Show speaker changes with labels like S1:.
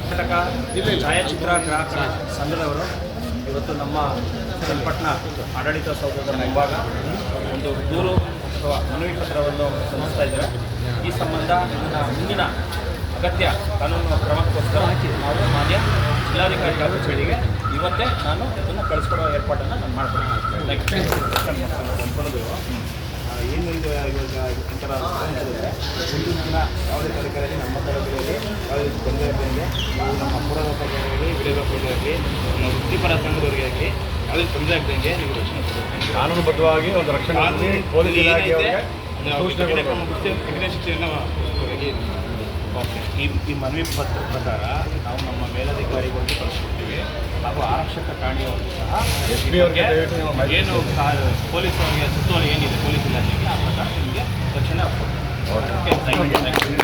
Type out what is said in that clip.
S1: ಕರ್ನಾಟಕ ಛಾಯಾಚಿತ್ರ ಗ್ರಾಹಕರ ಸಂಘದವರು ಇವತ್ತು ನಮ್ಮ ಚನ್ನಪಟ್ಟಣ ಆಡಳಿತ ಸೌಧದ ಮುಂಭಾಗ ಒಂದು ದೂರು ಅಥವಾ ಮನವಿ ಪತ್ರವನ್ನು ಸಲ್ಲಿಸ್ತಾ ಇದ್ದಾರೆ. ಈ ಸಂಬಂಧ ಇದನ್ನು ಮುಂದಿನ ಅಗತ್ಯ ಕಾನೂನು ಕ್ರಮಕ್ಕೋಸ್ಕರ ನಾವು ಮಾನ್ಯ ಜಿಲ್ಲಾಧಿಕಾರಿ ಕಚೇರಿಗೆ ಇವತ್ತೇ ನಾನು ಇದನ್ನು ಕಳಿಸ್ಕೊಡೋ ಏರ್ಪಾಟನ್ನು ನಾನು ಮಾಡ್ತೀನಿ.
S2: ಏನು ಇದು ಇವಾಗ ಒಂಥರ ಮುಂದಿನ ದಿನ ಯಾವುದೇ ತರಕಾರಿ ನಮ್ಮ ತರಕಾರಿಯಲ್ಲಿ ಯಾವುದೇ ತೊಂದರೆ ಇರಲಿ, ನಮ್ಮ ಅಪರಾಧ ಪ್ರಕಾರವಾಗಿ ವಿರೋಧ ಪ್ರಕಾರವಾಗಿ ನಮ್ಮ ವೃತ್ತಿಪರ ಸಂಘದವರಿಗೆ ಆಗಲಿ ಯಾವುದೇ ತೊಂದರೆ ಆಗದಂಗೆ ನೀವು ರಕ್ಷಣೆ ಕೊಡಬೇಕು.
S3: ಕಾನೂನುಬದ್ಧವಾಗಿ ಒಂದು ರಕ್ಷಣೆ ಪೊಲೀಸ್ ಇಲಾಖೆಯವರಿಗೆ
S2: ಕಠಿಣ ಶಿಕ್ಷೆಯನ್ನು
S1: ಈ ಮನವಿ ಪತ್ರ ಪ್ರಕಾರ ನಾವು ನಮ್ಮ ಮೇಲಧಿಕಾರಿಗಳಿಗೆ ಕಳಿಸ್ಕೊಡ್ತೀವಿ ಹಾಗೂ ಆರಕ್ಷಕ ಠಾಣೆಯವರು ಸಹ ಏನು ಪೊಲೀಸ್ ಅವರಿಗೆ ಸುತ್ತೋಲೆ ಏನಿದೆ ಪೊಲೀಸ್ ಇಲಾಖೆಗೆ ಆ ಪ್ರಕಾರ ನಿಮಗೆ ರಕ್ಷಣೆ ಆಗ್ತದೆ.